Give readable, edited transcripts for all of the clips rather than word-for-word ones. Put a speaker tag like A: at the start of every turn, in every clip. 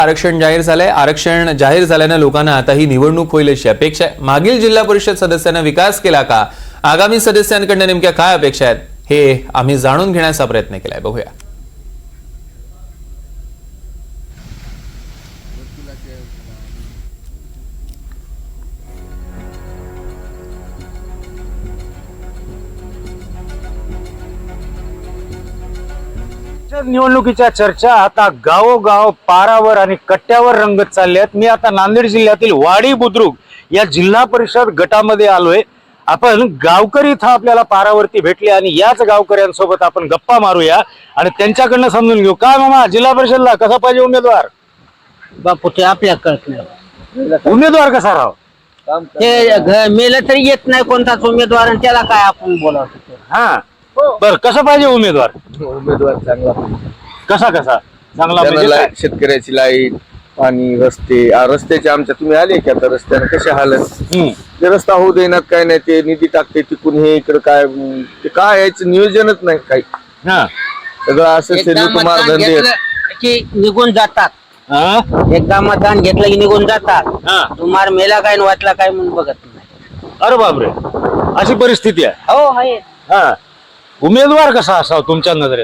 A: आरक्षण जाहीर झाल्याने लोकांना आता ही निवडणूक होईल अशी अपेक्षा आहे। मागील जिल्हा परिषद सदस्यांना विकास केला का? आगामी सदस्यांकडून नेमक्या काय अपेक्षा आहेत हे आम्ही जाणून घेण्याचा प्रयत्न केलाय। बघूया।
B: निवडणुकीच्या चर्चा आता गावोगाव पारावर आणि कट्ट्यावर रंगत चालल्यात। मी आता नांदेड जिल्ह्यातील वाडी बुद्रुक या जिल्हा परिषद गटामध्ये आलोय। आपण गावकरी इथं आपल्याला पारावरती भेटले आणि याच गावकऱ्यांसोबत आपण गप्पा मारूया आणि त्यांच्याकडनं समजून घेऊ। काय मामा, जिल्हा परिषदला कसा पाहिजे उमेदवार?
C: बापू ते आपल्या कळत नाही।
B: उमेदवार कसा राहावा?
C: ते मेलं तरी येत नाही कोणताच उमेदवार आणि त्याला काय आपण बोलावतो।
B: हा बर, कसं पाहिजे उमेदवार?
D: उमेदवार चांगला
B: कसा चांगला म्हणजे
D: त्याला
B: काय?
D: शेतकऱ्याची लाईट, पाणी, रस्त्याचे आमच्या तुम्ही आले की आता रस्त्याने कसे हालत ते रस्ता होऊ देण्यात काय नाही, ते निधी टाकते तिकून हे इकडे काय ते काय यायचं नियोजनच नाही काही।
B: हा
D: सगळं असं
C: एकदा
D: कुमार
C: मतदान
D: धंदे
C: घेतलं की निघून जातात।
B: हा
C: एकदा मतदान घेतलं की निघून जातात।
B: हा.
C: तुम्हाला मेला काय आणि वाटला काय म्हणून बघत नाही।
B: अरे बापरे, अशी परिस्थिती आहे।
C: हो आहे।
B: हा, उमेदवार कसा असावा तुमच्या नजरेत?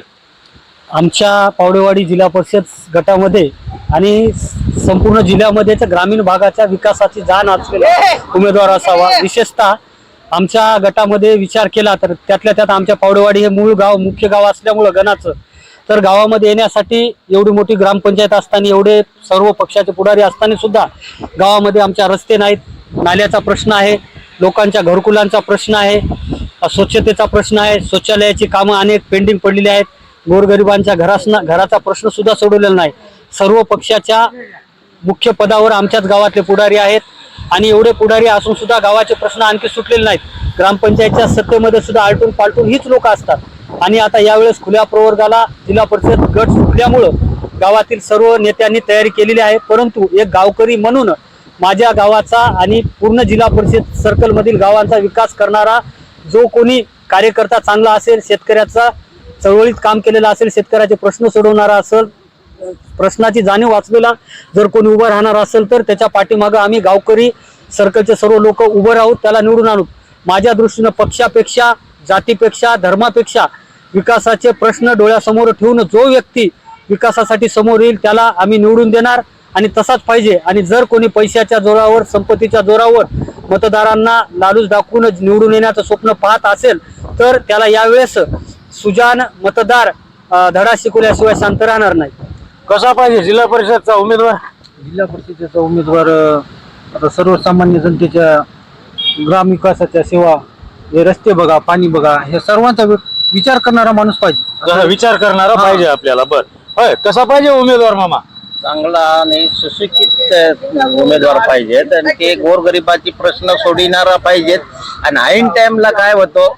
E: आमच्या पावडेवाडी जिल्हा परिषद गटामध्ये आणि संपूर्ण जिल्ह्यामध्ये ग्रामीण भागाच्या विकासाची जाण असलेला उमेदवार असावा। विशेषतः आमच्या गटामध्ये विचार केला तर त्यातल्या त्यात आमच्या पावडेवाडी हे मूळ गाव, मुख्य गाव असल्यामुळं गणाचं, तर गावामध्ये येण्यासाठी एवढी मोठी ग्रामपंचायत असताना, एवढे सर्व पक्षाचे पुढारी असताना सुद्धा गावामध्ये आमच्या रस्ते नाहीत, नाल्याचा प्रश्न आहे, लोकांच्या घरकुलांचा प्रश्न आहे, स्वच्छतेचा प्रश्न आहे, शौचालयाची कामं अनेक पेंडिंग पडलेली आहेत, गोरगरिबांच्या घराचा प्रश्न सुद्धा सोडवलेला नाही। सर्व पक्षाच्या मुख्य पदावर आमच्याच गावातले पुढारी आहेत आणि एवढे पुढारी असून सुद्धा गावाचे प्रश्न आणखी सुटलेले नाहीत। ग्रामपंचायतच्या सत्तेमध्ये सुद्धा आलटून पालटून हीच लोक असतात आणि आता यावेळेस खुल्या प्रवर्गाला जिल्हा परिषद गट सुटल्यामुळं गावातील सर्व नेत्यांनी तयारी केलेली आहे। परंतु एक गावकरी म्हणून माझ्या गावाचा आणि पूर्ण जिल्हा परिषद सर्कल मधील गावांचा विकास करणारा जो कोणी कार्यकर्ता चांगला असेल, शेतकऱ्याचा चळवळीत काम केलेला असेल, शेतकऱ्याचे प्रश्न सोडवणारा असेल, प्रश्नाची जाणीव वाचलेला जर कोणी उभं राहणार असेल तर त्याच्या पाठीमागं आम्ही गावकरी सर्कलचे सर्व लोक उभं राहूत, त्याला निवडून आणू। माझ्या दृष्टीनं पक्षापेक्षा, जातीपेक्षा, धर्मापेक्षा विकासाचे प्रश्न डोळ्यासमोर ठेवून जो व्यक्ती विकासासाठी समोर येईल त्याला आम्ही निवडून देणार आणि तसाच पाहिजे। आणि जर कोणी पैशाच्या जोरावर, संपत्तीच्या जोरावर मतदारांना लालूच दाखवून निवडून येण्याचं स्वप्न पाहत असेल तर त्याला यावेळेस सुजान मतदार धडा शिकवल्याशिवाय शांत राहणार नाही।
B: कसा पाहिजे जिल्हा परिषदचा उमेदवार?
E: जिल्हा परिषदेचा उमेदवार आता सर्वसामान्य जनतेच्या ग्रामविकासाच्या सेवा, हे रस्ते बघा, पाणी बघा, हे सर्वांचा विचार करणारा माणूस पाहिजे।
B: विचार करणारा पाहिजे आपल्याला। बर, होय, कसा पाहिजे उमेदवार मामा?
C: चांगला आणि सुशिक्षित उमेदवार पाहिजेत आणि ते गोरगरिबाची प्रश्न सोडविणारा पाहिजेत। आणि ऐन टाइमला काय होतं,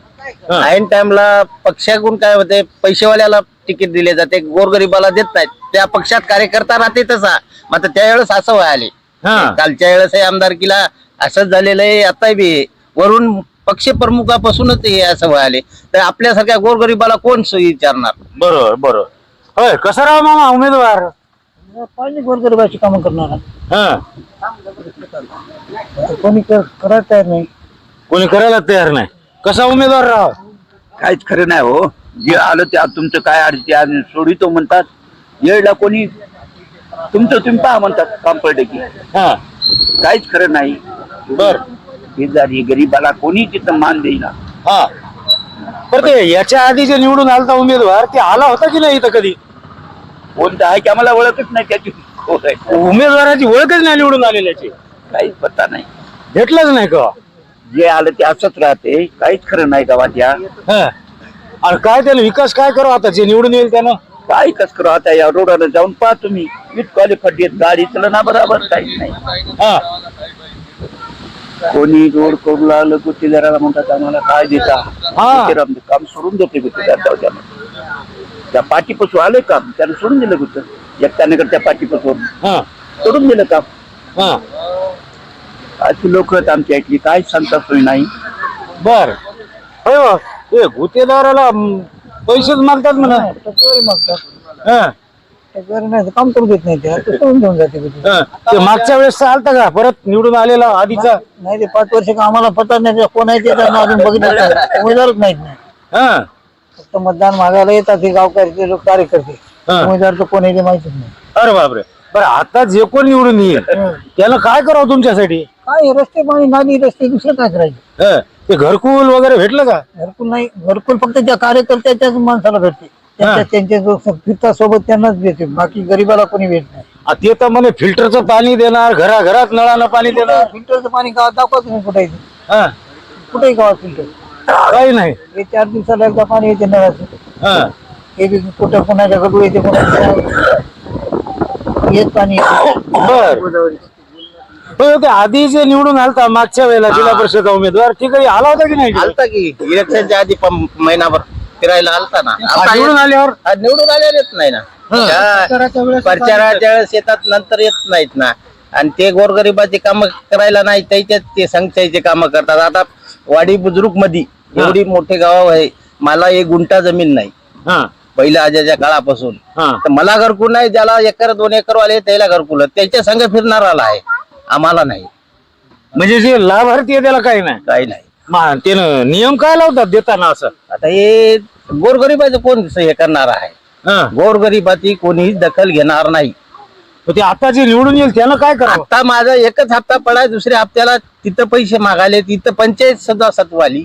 C: ऐन टाइमला पक्षाकडून काय होते, पैसेवाल्याला तिकीट दिले जाते, गोरगरिबाला देत नाहीत। त्या पक्षात कार्यकर्ता राहते तसा, मात्र त्यावेळेस असं व्हायले। कालच्या वेळेस आमदारकीला असंच झालेलं आहे, आता बी वरून पक्ष प्रमुखापासूनच हे असं व्हायले, तर आपल्यासारख्या गोरगरिबाला कोण विचारणार?
B: बरोबर बरोबर, होय, कसा राहा मामा उमेदवार?
E: पाहिजे गोरगरिबाची कामं करणारा।
B: हा,
E: कोणी करायला तयार नाही,
B: कोणी करायला तयार नाही, कसा उमेदवार राहा?
F: काहीच खरं नाही हो। जे आलं ते तुमचं काय अडचण सोडितो म्हणतात, येळला कोणी तुमचं तुम्ही पहा म्हणतात, काम पडले की
B: हा,
F: काहीच खरं नाही।
B: बर,
F: शेजारी गरीबाला कोणी तिथं मान देईना।
B: हा, पर ते याच्या आधी जे निवडून आलता उमेदवार, ते आला होता की नाही इथं कधी?
F: कोणतं आहे की आम्हाला ओळखच नाही त्याची,
B: उमेदवाराची ओळखच नाही निवडून आलेल्याची,
F: काहीच पत्ता नाही,
B: भेटलंच नाही का?
F: जे आलं ते असंच राहते, काहीच खरं नाही गावात या।
B: हा, आणि काय त्याला विकास काय करू आता जे निवडून येईल त्यानं?
F: काय कस करू आता, या रोडाला जाऊन पहा तुम्ही, इतकाले खड्डे, गाडी चलना बरोबर, काहीच नाही।
B: हा,
F: कोणी रोड करू लागलं गुत्तेदाराला म्हणतात आम्हाला काय देता, गुत्तेदार काम सोडून देते गुत्तेदार जाऊ त्या पाठीपासून आले काम, त्याला सोडून दिलं गुत्त एकट्याने त्या पाठीपासून सोडून दिलं काम।
B: हा,
F: अशी लोक आहेत आमच्या इथली, काय सांगता सोय नाही।
B: बर, हो, ते गुत्तेदाराला पैसेच मागतात म्हणा।
E: नाही काम करू देत नाही ते सोडून घेऊन जाते
B: ते मागच्या वेळेस आलता का परत निवडून आलेला आधीचा?
E: नाही ते 5 वर्ष का आम्हाला पता नाही कोण आहे ते त्यांना अजून बघितलं नाही. उमेदवारच माहित नाही.
B: हा
E: फक्त मतदान मागायला येतात हे गावकरी ते लोक कार्यकर्ते. उमेदवार तर कोण आहे ते माहितीच नाही.
B: अरे बापरे. बरं आता जे कोण निवडून येईल त्याला काय करावं तुमच्यासाठी?
E: काय रस्ते पाणी नाली रस्ते दुसरं काय करायचं?
B: ते घरकुल वगैरे भेटलं का?
E: घरकुल नाही. घरकुल फक्त त्या कार्यकर्त्याच्याच माणसाला भेटते. त्यांच्या जो फिरता सोबत त्यांनाच देते. बाकी गरीबाला कोणी भेट नाही.
B: ते तर म्हणे फिल्टरचं पाणी देणार, घराघरात नळानं पाणी देणार.
E: फिल्टरचं पाणी गावात दाखवा तुम्ही कुठे
B: हा
E: कुठेही गावात फिल्टर
B: काही नाही.
E: हे 4 दिवसाला एकदा पाणी येते नळाचं.
B: हा
E: हे बी कुठं कोणाच्या घडू येते कोणाच्या येत पाणी
B: बर ते आधी जे निवडून आलता मागच्या वेळेला जिल्हा परिषद उमेदवार ती कधी आला होता की नाही?
C: आलता की इलेक्शनच्या आधी महिनाभर फिरायला आलता ना. आता
B: निवडून आल्यावर
C: निवडून आल्यावर येत नाही ना. प्रचाराच्या वेळेस येतात नंतर येत नाहीत ना. आणि ते गोरगरिबाची कामं करायला नाही त्याच्यात ते संघाचे कामं करतात. आता वाडी बुजुर्ग मध्ये एवढी मोठे गाव आहे, मला 1 गुंठा जमीन नाही पहिल्या आजच्या काळापासून. तर मला घरकुल नाही, ज्याला 1 एकर 2 एकर वाले त्याला घरकुल, त्याच्या संघ फिरणाराला आहे, आम्हाला नाही.
B: म्हणजे जे लाभार्थी आहे त्याला काही नाही.
C: काही नाही.
B: त्यानं नियम काय लावतात देताना असं?
C: आता हे गोरगरिबाचं कोण हे करणार आहे? गोरगरिबाची कोणीही दखल घेणार नाही.
B: ते आता जे निवडून येईल त्यानं काय करावं?
C: आता माझा 1च हप्ता पडाय, दुसऱ्या हप्त्याला तिथं पैसे मागायले, तिथं पंचायत सदस्यत्व आली.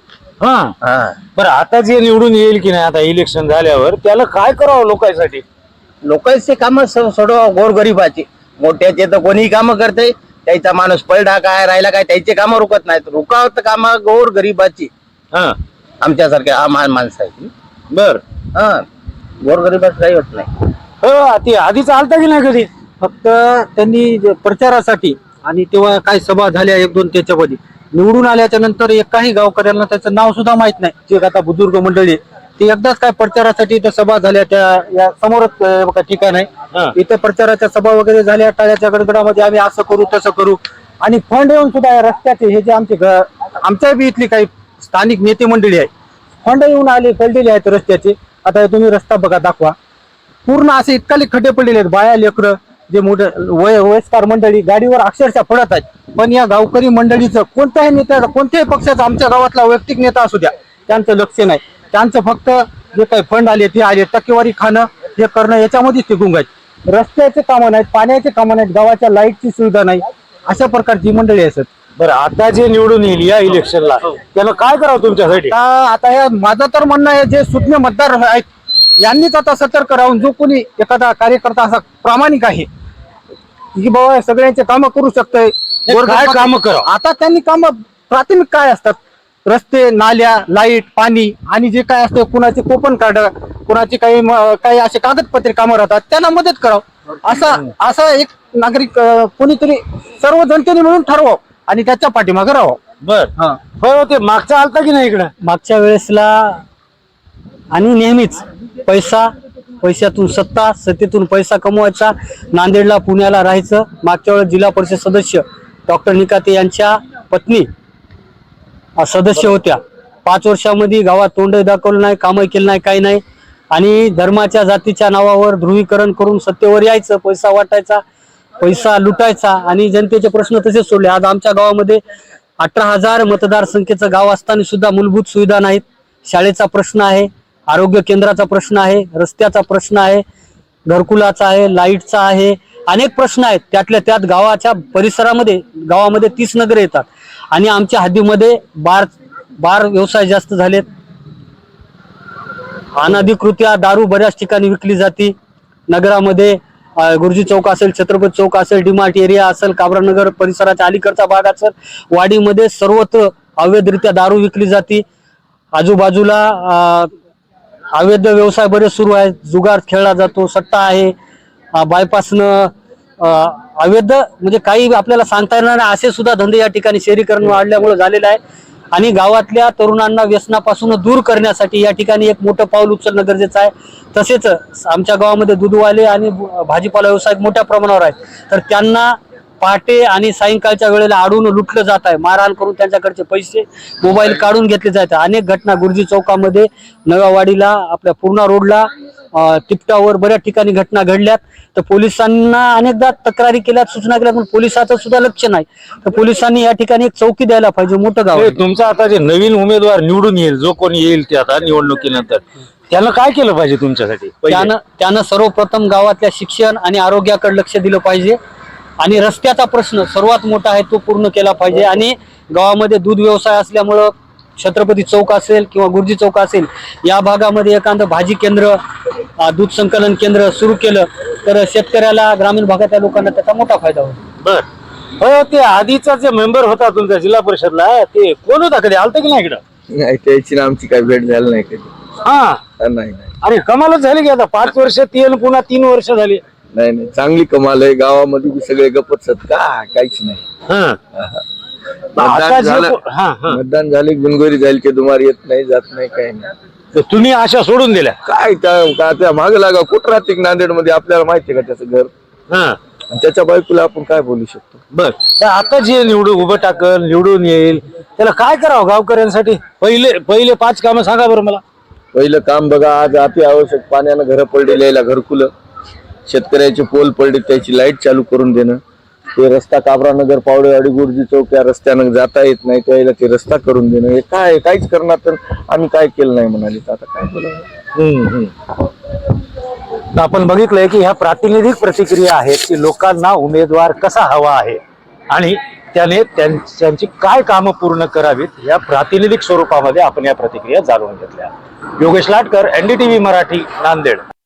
B: बरं आता जे निवडून येईल की नाही आता इलेक्शन झाल्यावर त्याला काय करावं लोकांसाठी?
C: लोकांचे काम सोडवा गोरगरिबाचे. मोठ्याचे तर कोणीही काम करते, त्याचा माणूस पलडा काय राहिला काय त्याचे काम रुकत नाहीत. रुकावत काम गोरगरिबाची आमच्यासारख्या माणसं आहे.
B: बर
C: गोरगरिबाचं काही होत नाही.
B: ते आधी चालता की नाही कधी?
E: फक्त त्यांनी प्रचारासाठी आणि तेव्हा काही सभा झाल्या 1-2 त्याच्यामध्ये निवडून आल्याच्या नंतर एकाही गावकऱ्यांना त्याचं नाव सुद्धा माहित नाही. जे आता बुजुर्ग मंडळी ते एकदाच काय प्रचारासाठी इथं सभा झाल्या त्या या समोरच ठिकाण आहे. इथं प्रचाराच्या सभा वगैरे झाल्या टाळ्याच्या गडगडामध्ये आम्ही असं करू तसं करू. आणि फंड येऊन सुद्धा या रस्त्याचे हे जे आमच्या बी इथली काही स्थानिक नेते मंडळी आहे, फंड येऊन आले पडलेले आहेत रस्त्याचे. आता तुम्ही रस्ता बघा दाखवा, पूर्ण असे इतकाले खड्डे पडलेले आहेत. बाया लेकरं जे मोठे वयस्कर मंडळी गाडीवर अक्षरशः पडत आहेत. पण या गावकरी मंडळीचं कोणत्याही नेत्याचा कोणत्याही पक्षाचा आमच्या गावातला वैयक्तिक नेता असू द्या त्यांचं लक्ष नाही. त्यांचं फक्त जे काही फंड आले ते आले, टक्केवारी खाणं हे करणं याच्यामध्येच ते गुंग आहेत. रस्त्याचे कामं नाहीत, पाण्याचे कामं नाहीत, गावाच्या लाईटची सुविधा नाही, अशा प्रकारची मंडळी असत.
B: बरं आता जे निवडून येईल या इलेक्शनला त्याला काय करावं तुमच्यासाठी?
E: आता या माझं तर म्हणणं आहे, जे सुज्ञ मतदार आहेत यांनीच आता सतर्क राहून जो कोणी एखादा कार्यकर्ता असा प्रामाणिक आहे की बाबा सगळ्यांचे कामं करू शकतोय,
B: काय कामं करावं?
E: आता त्यांनी कामं प्राथमिक काय असतात, रस्ते, नाल्या, लाईट, पाणी आणि जे काय असतं, कुणाचे कोपन कार्ड, कुणाचे काही असे कागदपत्रे कामं राहतात त्यांना मदत करावं. असा एक नागरिक कोणीतरी सर्व जनतेने मिळून ठरवावं आणि त्याच्या पाठीमागे राहावं.
B: बर ते मागचा आलता की नाही इकडं?
E: मागच्या वेळेसला आणि नेहमीच पैशातून सत्तेतून पैसा कमवायचा, नांदेडला पुण्याला राहायचं. मागच्या वेळेस जिल्हा परिषद सदस्य डॉक्टर निकाते यांच्या पत्नी सदस्य होत्या. 5 वर्षामध्ये गावात तोंड दाखवलं नाही, कामं केलं नाही, काही नाही. आणि धर्माच्या जातीच्या नावावर ध्रुवीकरण करून सत्तेवर यायचं, पैसा वाटायचा, पैसा लुटायचा आणि जनतेचे प्रश्न तसेच सोडले. आज आमच्या गावामध्ये 18,000 मतदारसंख्येचं गाव असताना सुद्धा मूलभूत सुविधा नाहीत. शाळेचा प्रश्न आहे, आरोग्य केंद्राचा प्रश्न आहे, रस्त्याचा प्रश्न आहे, घरकुलाचा आहे, लाईटचा आहे, अनेक प्रश्न आहेत. त्यातल्या त्यात गावाच्या परिसरामध्ये गावामध्ये 30 नगरे येतात आणि आमच्या हद्दीमध्ये बार व्यवसाय जास्त झालेत. अनधिकृत्या दारू बऱ्याच ठिकाणी विकली जाते. नगरामध्ये गुरुजी चौक असेल, छत्रपती चौक असेल, डीमार्ट एरिया असेल, काबरानगर परिसराच्या अलीकडचा भाग असेल, वाडीमध्ये सर्वत्र अवैधरित्या दारू विकली जाते. आजूबाजूला अवैध व्यवसाय बरेच सुरू आहेत. जुगार खेळला जातो, सट्टा आहे, बायपासनं अवैध म्हणजे काही आपल्याला सांगता येणार नाही असे सुद्धा धंदे या ठिकाणी शहरीकरण वाढल्यामुळे झालेलं आहे. आणि गावातल्या तरुणांना व्यसनापासून दूर करण्यासाठी या ठिकाणी एक मोठं पाऊल उचलणं गरजेचं आहे. तसेच आमच्या गावामध्ये दूधवाले आणि भाजीपाला व्यवसाय मोठ्या प्रमाणावर आहेत, तर त्यांना पहाटे आणि सायंकाळच्या वेळेला आडून लुटलं जात आहे. मारहाण करून त्यांच्याकडचे पैसे, मोबाईल काढून घेतले जात आहे. अनेक घटना गुरुजी चौकामध्ये, नव्या वाडीला, आपल्या पूर्णा रोडला तिपटावर बऱ्याच ठिकाणी घटना घडल्यात. तर पोलिसांना अनेकदा तक्रारी केल्यात, सूचना केल्यात, पण पोलिसाचं सुद्धा लक्ष नाही. तर पोलिसांनी या ठिकाणी एक चौकी द्यायला पाहिजे. मोठं गाव
B: हे
E: आहे.
B: तुमचा आता जे नवीन उमेदवार निवडून येईल, जो कोणी येईल ते आता निवडणुकीनंतर, त्यानं काय केलं पाहिजे तुमच्यासाठी? पहिले.
E: त्यानं सर्वप्रथम गावातल्या शिक्षण आणि आरोग्याकडे लक्ष दिलं पाहिजे. आणि रस्त्याचा प्रश्न सर्वात मोठा आहे, तो पूर्ण केला पाहिजे. आणि गावामध्ये दूध व्यवसाय असल्यामुळं छत्रपती चौक असेल किंवा गुरुजी चौक असेल, या भागामध्ये एखादं भाजी केंद्र, दूध संकलन केंद्र सुरू केलं तर शेतकऱ्याला, ग्रामीण भागातल्या लोकांना त्याचा मोठा फायदा होईल.
B: बर. हो, ते आधीचा जे मेंबर होता तुमच्या जिल्हा परिषदला, ते कोण होता? कधी आलता की नाही इकडं?
D: नाही, त्याची ना आमची काही भेट झाली नाही कधी.
B: हा.
D: नाही नाही
B: अरे कमालच झाली की आता 5 वर्ष ती आणि पुन्हा 3 वर्ष झाली.
D: नाही नाही, चांगली कमाल आहे. गावामध्ये बी सगळे गपत काहीच नाही.
B: हा. आता
D: मतदान
B: जे
D: झालं,
B: हा हा
D: मतदान झाले, बिनगोरी झाली की दुमार येत नाही, जात नाही, काही नाही.
B: तर तुम्ही आशा सोडून दिल्या.
D: काय त्या माग लागा कुठं राहते नांदेड मध्ये आपल्याला माहिती आहे का त्याचं घर?
B: हा.
D: आणि त्याच्या बायकोला आपण काय बोलू शकतो?
B: बर. तर आता जे उभं टाकल, निवडून येईल, त्याला काय करावं गावकऱ्यांसाठी? पहिले 5 कामं सांगा बरं मला.
D: पहिलं काम बघा, आज अति आवश्यक पाण्यानं घरं पडलेली यायला घरकुलं, शेतकऱ्याचे पोल पडले त्याची लाईट चालू करून देणं, ते रस्ता काबरा नगर पावडेवाडी गुरुजी चौक या रस्त्यानं जाता येत नाही त्याला ते रस्ता करून देणं, हे काय काहीच करणार तर आम्ही काय केलं नाही म्हणाले. तर आता काय बोलावं?
B: तर आपण बघितलंय की ह्या प्रातिनिधिक प्रतिक्रिया आहेत की लोकांना उमेदवार कसा हवा आहे आणि त्याने त्यांची काय कामं पूर्ण करावीत, या प्रातिनिधिक स्वरूपामध्ये आपण या प्रतिक्रिया जाणून घेतल्या. योगेश लाटकर, NDTV मराठी, नांदेड.